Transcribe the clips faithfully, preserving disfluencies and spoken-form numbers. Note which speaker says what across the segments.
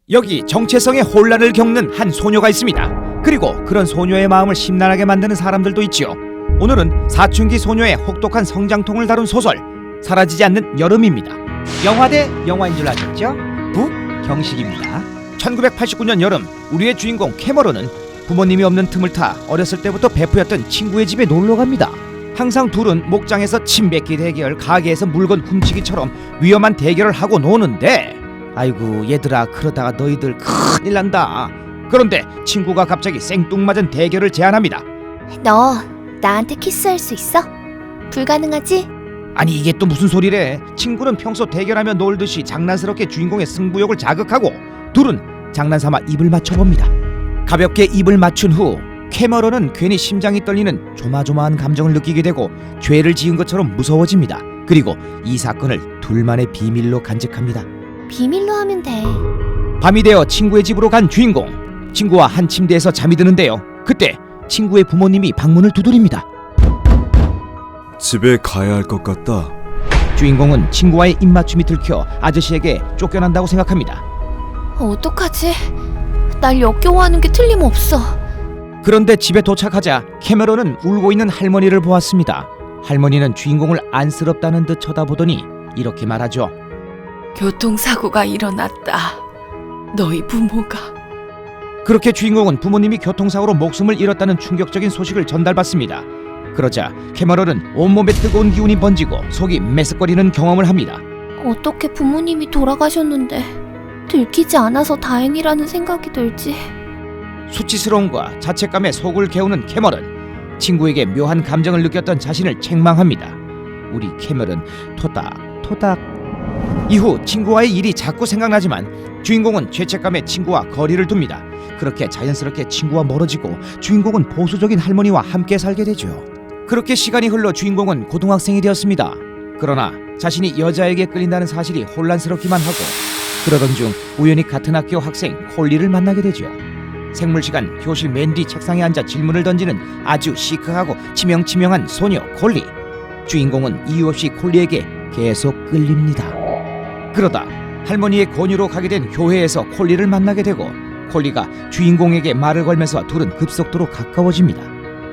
Speaker 1: 여기 정체성의 혼란을 겪는 한 소녀가 있습니다. 그리고 그런 소녀의 마음을 심란하게 만드는 사람들도 있지요. 오늘은 사춘기 소녀의 혹독한 성장통을 다룬 소설 사라지지 않는 여름입니다. 영화 대 영화인 줄 아셨죠? 북경식입니다. 천구백팔십구 년 여름, 우리의 주인공 캐머런은 부모님이 없는 틈을 타 어렸을 때부터 베프였던 친구의 집에 놀러 갑니다. 항상 둘은 목장에서 침 뱉기 대결, 가게에서 물건 훔치기처럼 위험한 대결을 하고 노는데, 아이고 얘들아, 그러다가 너희들 큰일 난다. 그런데 친구가 갑자기 생뚱맞은 대결을 제안합니다.
Speaker 2: 너 나한테 키스할 수 있어? 불가능하지?
Speaker 1: 아니 이게 또 무슨 소리래. 친구는 평소 대결하며 놀듯이 장난스럽게 주인공의 승부욕을 자극하고 둘은 장난삼아 입을 맞춰봅니다. 가볍게 입을 맞춘 후 캐머런은 괜히 심장이 떨리는 조마조마한 감정을 느끼게 되고 죄를 지은 것처럼 무서워집니다. 그리고 이 사건을 둘만의 비밀로 간직합니다.
Speaker 2: 비밀로 하면 돼.
Speaker 1: 밤이 되어 친구의 집으로 간 주인공. 친구와 한 침대에서 잠이 드는데요. 그때 친구의 부모님이 방문을 두드립니다.
Speaker 3: 집에 가야 할 것 같다.
Speaker 1: 주인공은 친구와의 입맞춤이 들켜 아저씨에게 쫓겨난다고 생각합니다.
Speaker 2: 어떡하지? 날 역겨워하는 게 틀림없어.
Speaker 1: 그런데 집에 도착하자 캐머런은 울고 있는 할머니를 보았습니다. 할머니는 주인공을 안쓰럽다는 듯 쳐다보더니 이렇게 말하죠.
Speaker 4: 교통사고가 일어났다. 너희 부모가.
Speaker 1: 그렇게 주인공은 부모님이 교통사고로 목숨을 잃었다는 충격적인 소식을 전달받습니다. 그러자 캐머런은 온몸에 뜨거운 기운이 번지고 속이 메스꺼리는 경험을 합니다.
Speaker 2: 어떻게 부모님이 돌아가셨는데 들키지 않아서 다행이라는 생각이 들지.
Speaker 1: 수치스러움과 자책감에 속을 개우는 캐머런. 친구에게 묘한 감정을 느꼈던 자신을 책망합니다. 우리 캐머런 토닥토닥. 이후 친구와의 일이 자꾸 생각나지만 주인공은 죄책감에 친구와 거리를 둡니다. 그렇게 자연스럽게 친구와 멀어지고 주인공은 보수적인 할머니와 함께 살게 되죠. 그렇게 시간이 흘러 주인공은 고등학생이 되었습니다. 그러나 자신이 여자에게 끌린다는 사실이 혼란스럽기만 하고, 그러던 중 우연히 같은 학교 학생 콜리를 만나게 되죠. 생물 시간 교실 맨 뒤 책상에 앉아 질문을 던지는 아주 시크하고 치명치명한 소녀 콜리. 주인공은 이유 없이 콜리에게 계속 끌립니다. 그러다 할머니의 권유로 가게 된 교회에서 콜리를 만나게 되고 콜리가 주인공에게 말을 걸면서 둘은 급속도로 가까워집니다.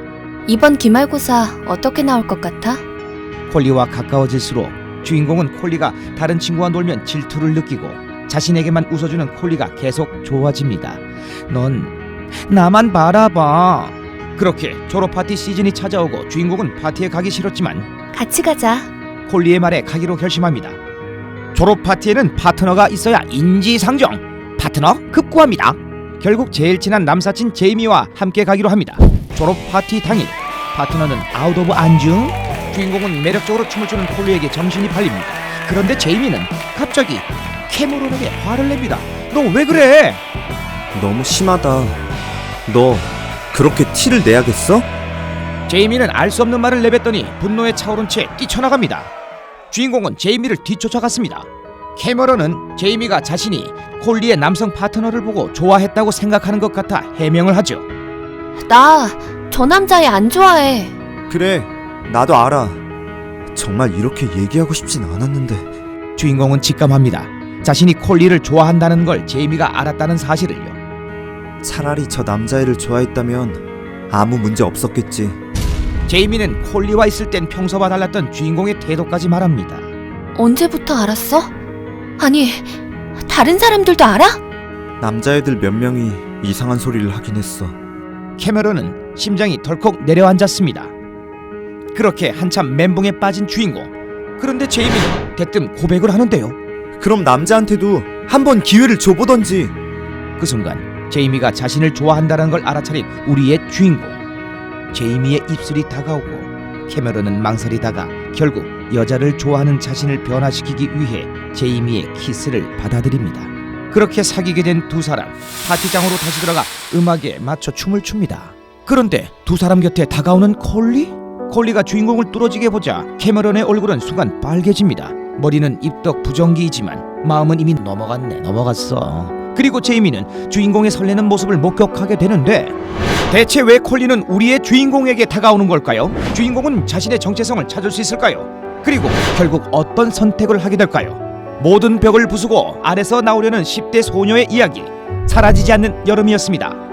Speaker 2: 이번 기말고사 어떻게 나올 것 같아?
Speaker 1: 콜리와 가까워질수록 주인공은 콜리가 다른 친구와 놀면 질투를 느끼고 자신에게만 웃어주는 콜리가 계속 좋아집니다. 넌 나만 바라봐. 그렇게 졸업 파티 시즌이 찾아오고 주인공은 파티에 가기 싫었지만
Speaker 2: 같이 가자.
Speaker 1: 콜리의 말에 가기로 결심합니다. 졸업 파티에는 파트너가 있어야 인지상정. 파트너 급구합니다. 결국 제일 친한 남사친 제이미와 함께 가기로 합니다. 졸업 파티 당일, 파트너는 아웃 오브 안중. 주인공은 매력적으로 춤을 추는 콜리에게 정신이 팔립니다. 그런데 제이미는 갑자기 캐머런에게 화를 냅니다. 너 왜 그래?
Speaker 3: 너무 심하다. 너 그렇게 티를 내야겠어?
Speaker 1: 제이미는 알 수 없는 말을 내뱉더니 분노에 차오른 채 뛰쳐나갑니다. 주인공은 제이미를 뒤쫓아갔습니다. 캐머런은 제이미가 자신이 콜리의 남성 파트너를 보고 좋아했다고 생각하는 것 같아 해명을 하죠.
Speaker 2: 나 저 남자애 안 좋아해.
Speaker 3: 그래, 나도 알아. 정말 이렇게 얘기하고 싶진 않았는데.
Speaker 1: 주인공은 직감합니다. 자신이 콜리를 좋아한다는 걸 제이미가 알았다는 사실을요.
Speaker 3: 차라리 저 남자애를 좋아했다면 아무 문제 없었겠지.
Speaker 1: 제이미는 콜리와 있을 땐 평소와 달랐던 주인공의 태도까지 말합니다.
Speaker 2: 언제부터 알았어? 아니, 다른 사람들도 알아?
Speaker 3: 남자애들 몇 명이 이상한 소리를 하긴 했어.
Speaker 1: 캐머런은 심장이 덜컥 내려앉았습니다. 그렇게 한참 멘붕에 빠진 주인공. 그런데 제이미는 대뜸 고백을 하는데요.
Speaker 3: 그럼 남자한테도 한번 기회를 줘보던지.
Speaker 1: 그 순간 제이미가 자신을 좋아한다는 걸 알아차린 우리의 주인공. 제이미의 입술이 다가오고 캐머런은 망설이다가 결국 여자를 좋아하는 자신을 변화시키기 위해 제이미의 키스를 받아들입니다. 그렇게 사귀게 된 두 사람, 파티장으로 다시 들어가 음악에 맞춰 춤을 춥니다. 그런데 두 사람 곁에 다가오는 콜리? 콜리가 주인공을 뚫어지게 보자 캐머런의 얼굴은 순간 빨개집니다. 머리는 입덕 부정기이지만 마음은 이미 넘어갔네 넘어갔어. 그리고 제이미는 주인공의 설레는 모습을 목격하게 되는데, 대체 왜 콜리는 우리의 주인공에게 다가오는 걸까요? 주인공은 자신의 정체성을 찾을 수 있을까요? 그리고 결국 어떤 선택을 하게 될까요? 모든 벽을 부수고 안에서 나오려는 십 대 소녀의 이야기. 사라지지 않는 여름이었습니다.